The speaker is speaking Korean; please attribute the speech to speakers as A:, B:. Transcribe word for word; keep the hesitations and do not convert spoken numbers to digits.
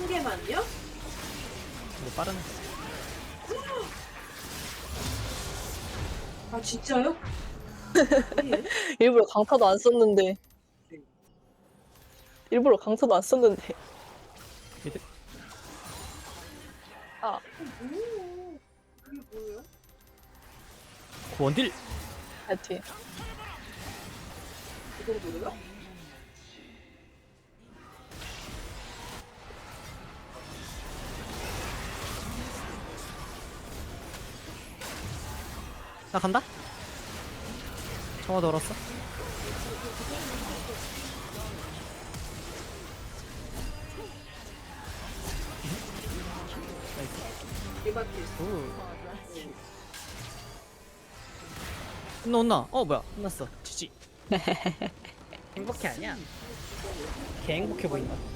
A: 한 개만요?
B: 이거 빠르네.
A: 아 진짜요? 예?
C: 일부러 강타도 안 썼는데. 일부러 강타도 안 썼는데.
B: 미드.
C: 아,
A: 오, 이게 뭐예요?
B: 원딜.
C: 하여튼.
A: 이 정도로요?
B: 나 간다. 정화 넣었어.
A: 일반필.
B: 혼나 혼나. 어 뭐야? 혼났어. 지지. 행복해 아니야? 개 행복해 보인다.